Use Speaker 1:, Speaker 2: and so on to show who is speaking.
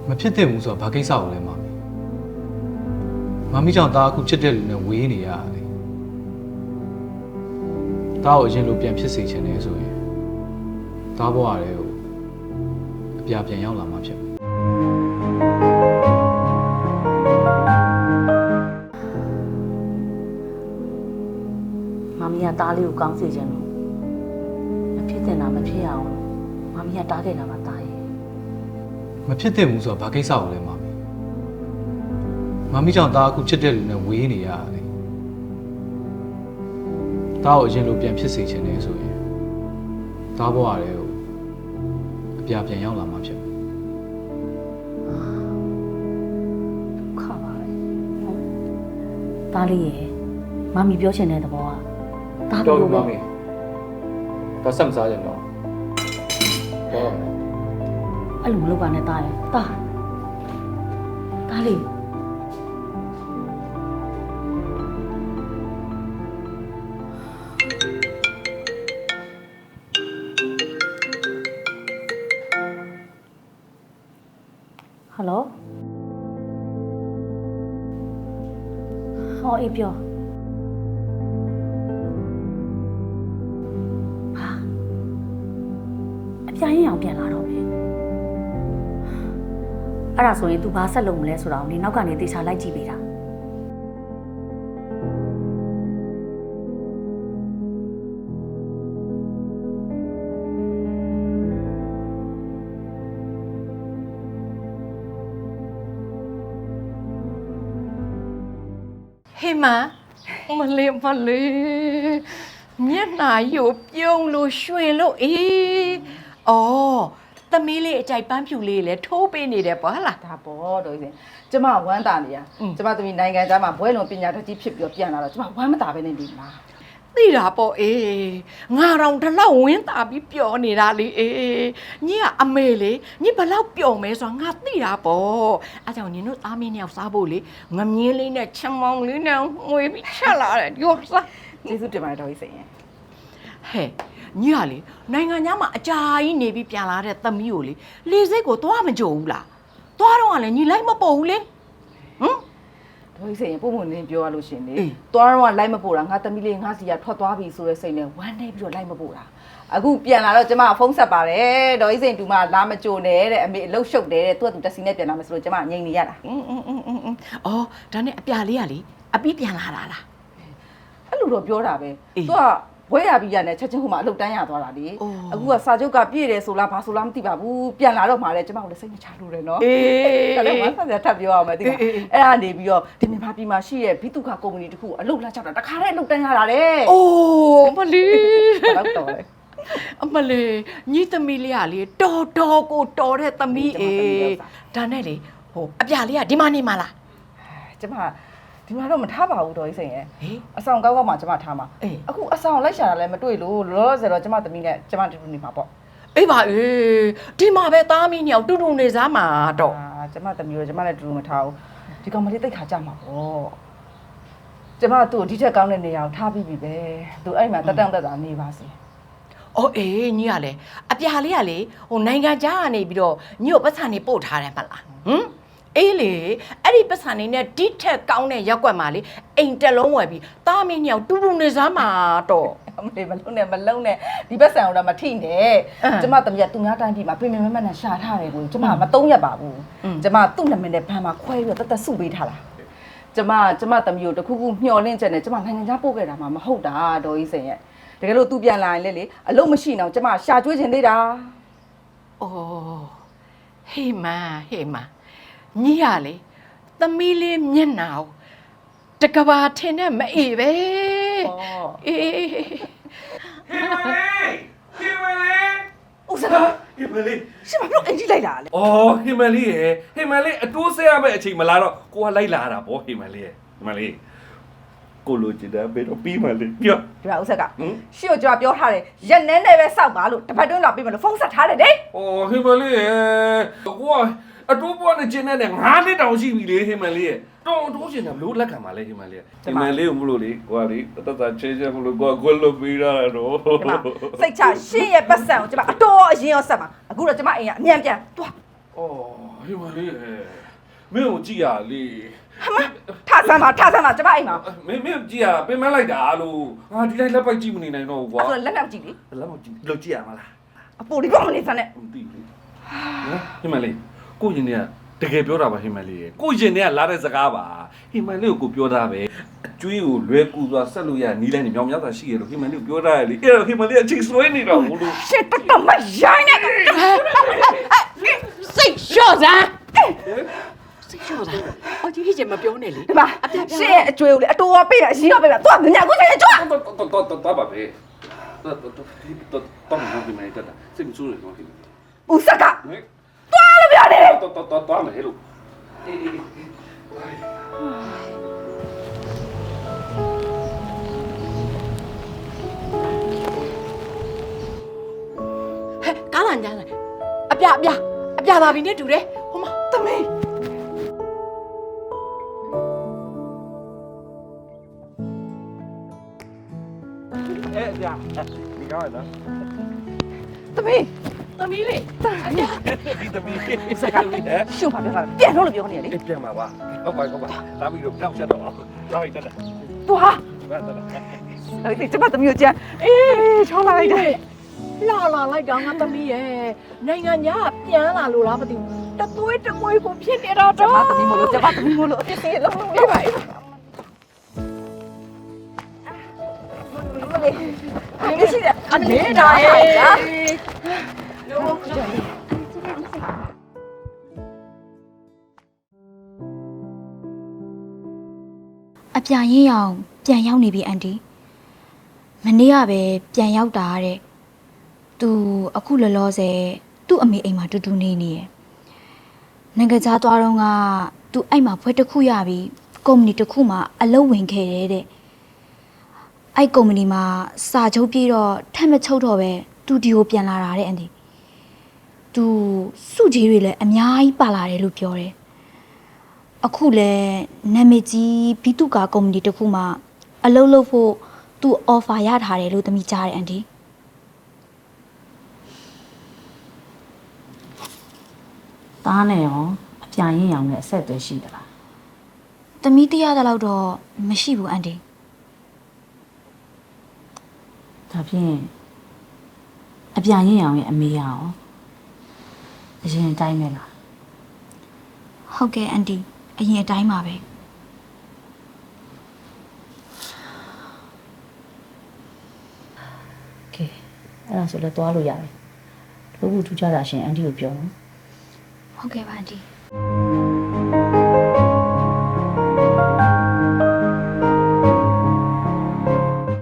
Speaker 1: မဖြစ်သင့်ဘူးဆိုတော့ဘာကိစ္စကိုလဲမမီကြောင့်တားအခုချစ်တဲ့လူနဲ့ဝေးနေရတယ်တားကိုအရင်လိုပြန်ဖြစ်စေချင်တယ်ဆိုရင်တားဘဝရဲကိုအပြာပြန်ရောက်လာမှဖြစ်
Speaker 2: မမီကတားလေးကိုကောင်းစေချင်လို့မဖြစ်တင်တာမဖြစ်ရအောင်မမီကတားခဲ့တာပါတားရဲ့
Speaker 1: မဖြစ်သင့်ဘူးဆိုတော့ဘာကိစ္စကိုလဲမမီကြောင့်တားအခုချစ်တဲ့လူနဲ့ဝေးနေရတယ်တားကိုအရင်လိုပြန်ဖြစ်စေချင်တယ်ဆိုရင်တားဘဝရဲကိုအပြာပြန်ရောက်လာမှဖြစ်
Speaker 2: ခါပါလေတားလေးရဲ့မမီပြောချင်တဲ့သဘောကတားလို့ပဲ
Speaker 1: တော့ဆက်မစားကြတော့
Speaker 2: အဲ့လိုမလုပ်ပါနဲ့တားရဲ့တားလေးဟယ်လိုဟောအေးပြောဟာအပြာရင်အောင်ပြန်လာတော့မယ်အဲ့ဒါဆိုရင် तू ဘာဆက်လုပ်မလဲဆိုတော့နေနောက်ကနေတေချာလိုက်ကြည့်ပေးတာ
Speaker 3: ဟေးမလေးမျက်နှာရုပ်ပြုံးလို့ရွှင်လို့အော်သမီးလေးအကြိုက်ပန်းဖြူလေးလည်းထိုးပေးနေတယ်ပေါ့ဟလား
Speaker 4: ဒါပေါ့တော်ကြီးစင်ကျမဝမ်းတာနေရကျမသမီးနိုင်ငံသားမှာဘွဲလုံးပညာတတ်ကြီးဖြစ်ပြီးပြန်လာတော့ကျမဝမ်းမတာပဲနေပြီလား
Speaker 3: သိတာပေါ့ငါတော့ဒီလောက်ဝင်းတာပြီးပျော်နေတာလေညီကအမေလေညီဘလောက်ပျော်မဲဆိုတော့ငါသိတာပေါ့အဲကြောင့်ညီတို့သားမင်းနှစ်ယောက်စားဖို့လေငမြင်းလေးနဲ့ချင်မောင်လေးနဲ့ငွေပြီးချက်လာတယ်ပြောစား
Speaker 4: ကျေးဇူးတင်ပါတယ်တော်ကြီးစင်ရဲ့
Speaker 3: ဟဲ့ညီကလေနိုင်ငံသားမှာအကြာကြီးနေပြီးပြန်လာတဲ့သမီးကိုလေစိတ်ကိုသွားမကြုံဘူးလားသွားတော့ကလည်းညီလိုက်မပေါ်ဘူးလေ
Speaker 4: တော်ကြီးစင်ရဲ့ပုံမှန်နေပြောရလို့ရှင်လေသွားတော့လိုက်မပို့တာငါသမီးလေးငါစီကထွက်သွားပြီဆိုတဲ့စိတ်နဲ့ဝမ်းနေပြီးတော့လိုက်မပို့တာအခုပြန်လာတော့ကျမဖုန်းဆက်ပါတယ်တော်ကြီးစင်တူမလာမကြိုနဲ့တဲ့အမေအလုတ်ရှုပ်တယ်တဲ့သူကသူတက်စီနဲ့ပြန်လာမယ်ဆိုတော့ကျမငြိမ်နေရတာ
Speaker 3: အော်ဒါနဲ့အပြာလေးကလေအပြီးပြန်လာတာလား
Speaker 4: အဲ့လိုတော့ပြောတာပဲသူကဘွဲရပြီးရနဲ့ချက်ချင်းဟိုမှာအလုတ်တန်းရသွားတာလေအခုကစာချုပ်ကပြည့်တယ်ဆိုလားဘာဆိုလားမသိပါဘူးပြန်လာတော့မှလည်းကျမတို့လည်းစိတ်မချလို့တယ်နော်ဒါလည်းမဆက်ဆက်ထပ်ပြောအောင်မယ်ဒီကအဲ့ဒါနေပြီးတော့ဒီမြန်မာပြည်မှာရှိတဲ့ဘီတုခကုမ္ပဏီတခုအလုတ်လာချောက်တာတခါတည်းအလုတ်တန်းရတာလေ
Speaker 3: အိုးမလီ
Speaker 4: တော့တော်လေ
Speaker 3: အမလေးညီသမီးလေးကလေတော်ကိုတော်တဲ့သမီးဒါနဲ့လေဟိုအပြာလေးကဒီမှာနေမှာလား
Speaker 4: ကျမဒီမှာတော့မထားပါဘူးတော်ကြီးစိန်ရဲ့အဆောင်ကောက်မှကျမထားမှာအခုအဆောင်လိုက်ရှာတာလည်းမတွေ့လို့လောလောဆယ်တော့ကျမသမီးနဲ့ကျမတူတူနေမှာပေါ့
Speaker 3: အေးပါဒီမှာပဲသားမီးညောင်တူတူနေစားမှာတော့
Speaker 4: ကျမသမီးတို့ကျမလည်းတူတူမထားဘူးဒီကောင်မလေးတိတ်ခါကြမှာပေါ့ကျမသူ့ကိုဒီထက်ကောင်းတဲ့နေရာကိုထားပြီးပြီပဲသူအဲ့မှာတက်တာနေပါစေ
Speaker 3: အော်ညီကလေအပြာလေးကလေဟိုနိုင်ငံခြားကနေပြီးတော့ညီကိုပတ်စံနေပို့ထားတယ်မလားအေးလေအဲ့ဒီပတ်စံနေနဲ့ဒီထက်ကောင်းတဲ့ရက်ွက်မှာလေအိမ်တက်လုံးဝယ်ပြီးသားမင်းညောင်တူတူနေစားမှာတော့
Speaker 4: မလုံးနဲ့ဒီပတ်စံတော့မထိနဲ့ကျမသမီးကသူများတိုင်းပြည်မှာပြင်မနဲ့ရှာထားတယ်ကိုကျမမသုံးရပါဘူးကျမသူ့နာမည်နဲ့ဘန်မှာခွဲပြီးတော့တတ်စုပေးထားတာကျမသမီးကိုတခုခုမျှော်လင့်ချက်နဲ့ကျမနိုင်ငံခြားပို့ခဲ့တာမှမဟုတ်တာဒေါ်ကြီးစင်ရဲ့တကယ်လို့သူပြန်လာရင်လေအလုံးမရှိတော့ကျမရှာကျွေးခြင်းသေးတာ
Speaker 3: အော်ဟေးမညီရလေသမီးလေးမျက်နှာကိုတကဘာထင်နဲ့မအေးပဲ
Speaker 4: အေး
Speaker 5: ဟေးမလေး
Speaker 4: ဦးစကား
Speaker 5: ဟေးမလေး
Speaker 4: ရှင်မပြောအင်ကြီးလိုက်လာလေ
Speaker 5: အော်ဟေးမလေးအတိုးဆဲရမယ့်အချိန်မလာတော့ကိုကလိုက်လာတာဗောဟေးမလေးကိုလိုချင်တယ်ဘေးတော့ပြီးမှလေပြော
Speaker 4: ဒီမှာဦးဆက်ကရှေ့ကိုကြွားပြောထားတယ်ရက်နဲနဲ့ပဲစောက်ပါလို့တပတ်တွင်းလာပြီးမလို့ဖုန်းဆက်ထားတယ်လေ
Speaker 5: အော်ဟေးမလေးကိုကအတိုးပေါ်နဲ့ကျင်းနဲ့9နှစ်တောင်ရှိပြီလေဟေးမလေးတော့တိုးချင်တယ်ဘလို့လက်ခံပါလေဟေးမလေးဟေးမလေးကိုမလို့လေကိုကလေတတ်ချေချေမလို့ကိုကလွတ်ပြီးတာတော့
Speaker 4: စိတ်ချရှေ့ရဲ့ပတ်စံကိုကျမအတော်အရင်ရောဆက်ပါအခုတော့ကျမအိမ်ကအမြန်ပြန်သွား
Speaker 5: အော်ဟိမလေးမင်းကိုကြည့်ရလေ
Speaker 4: ထဆမ်းပါကျမအိမ်မှာ
Speaker 5: မင်းကြည့်ရပင်မလိုက်တာလို့ငါဒီတိုင်းလက်ပိုက်ကြည့်မနေနိုင်တော့ဘူးကွာ
Speaker 4: အဲ့ဒါလက်နောက်ကြည့်လေ
Speaker 5: လက်မကြည့်လို့ကြည့်ရမလား
Speaker 4: အပေါ်ဒီကောင်မနေစမ်းနဲ့
Speaker 5: မသိဘူးဟိမလေးကိုရင်เนี่ยတကယ်ပြောတာပါဟိမလေးကိုရင်เนี่ยလာတဲ့စကားပါဟိမလေးကိုပြောတာပဲအကျွေးကိုလွယ်ကူစွာဆက်လို့ရနီးလိုက်နေမြောင်များစွာရှိရလို့ဟိမလေးကိုပြောတာလေအဲ့တော့ဟိမလေးအချိန်ဆွဲနေတော့ဘူးလို့
Speaker 4: ရှစ်တက်မရိုင်းနဲ့
Speaker 3: စိတ်လျှော့စမ်းစိတ်လျှော့စမ်းအော်ဒီကြီးမပြောနဲ့လေ
Speaker 4: ဒီမှာရှစ်ရဲ့အကျွေးကိုလေအတော်ပေးတာအရင်ကပေးတာသွားမြညာကိုဆိုင်ကြွား
Speaker 5: တော့ပါပဲတော့မဟုတ်ဒီမလေးတက်တာစိတ်မဆိုးနေတော့ဟိမလေး
Speaker 4: ဦးစက်ကသွားလို့ပြောနေတယ်
Speaker 5: တော့မယ်လို့အေး
Speaker 3: ဟဲ့ကားလာညာလိုက်အပြပါပြီနဲ့တူတယ်ဟိုမသမီး
Speaker 5: အဲ့ကြာဒီကောင်းရနော်
Speaker 4: သမီး
Speaker 3: သမီးလေ
Speaker 5: ဒီသမီးစကားလေးဟဲ့
Speaker 4: ရှုံပါပြောတာပြန်တော့လို့ပြောနေတယ်လေ
Speaker 5: ပြန်ပါပါဟုတ်ပါလာပြီးတော့ပြောက်ချက်တော့လာပြီတက်တာ
Speaker 4: သွား
Speaker 5: တက်တာ
Speaker 4: အဲ့ဒီကျမသမီးကိုကြမ်းအေးချောင်းလာလိုက်တယ်
Speaker 3: လာလိုက်တော့ငါသမီးရဲ့နိုင်ငံညာပြန်လာလို့လားမသိဘူးတသွေးတမွေးကိုဖြစ်နေတော့
Speaker 4: ကျမသမီးမလို့အပြစ်စီလုံးလုံးလေးပါအေးရှိတယ်
Speaker 3: အနေဒါရဲ့
Speaker 6: အပြာရင်းအောင်ပြန်ရောက်နေပြီအန်တီမနေ့ကပဲပြန်ရောက်တာတဲ့သူအခုလောလောဆယ်သူ့အမေအိမ်မှာတူတူနေနေရယ်နိုင်ငံခြားသွားတော့ကသူအဲ့မှာဖွဲတစ်ခုရပြီးကုမ္ပဏီတစ်ခုမှာအလုပ်ဝင်ခဲ့တယ်တဲ့အဲ့ကုမ္ပဏီမှာစာချုပ်ပြီးတော့ထက်မချုပ်တော့ပဲသူဒီကိုပြန်လာတာတဲ့အန်တီသူစုကြီးတွေလည်းအများကြီးပါလာတယ်လို့ပြောတယ်အခုလဲနာမည်ကြီးဘီတုကာကုမ္ပဏီတစ်ခုမှအလုပ်လုပ်ဖို့သူ offer ရထားတယ်လို့သမီးကြားတယ်အန်တီ
Speaker 2: သားနဲ့ရောအပြာရင်းရောင်နဲ့အဆက်အသွယ်ရှိသလား
Speaker 6: သမီးတရားတဲ့လောက်တော့မရှိဘူးအန်တီ
Speaker 2: ဒါဖြင့်အပြာရင်းရောင်ရဲ့အမေရောအရင်အတိုင်းပဲလား
Speaker 6: ဟုတ်ကဲ့အန်တီအရင်အတိုင်းပါပဲ
Speaker 2: ကဲအဲ့ဒါဆိုလည်းသွားလို့ရတယ်လို့ဘူးထူးခြားတာရှင်အန်တီကိုပြောနော်
Speaker 6: ဟုတ်ကဲ့ပါအန်တီ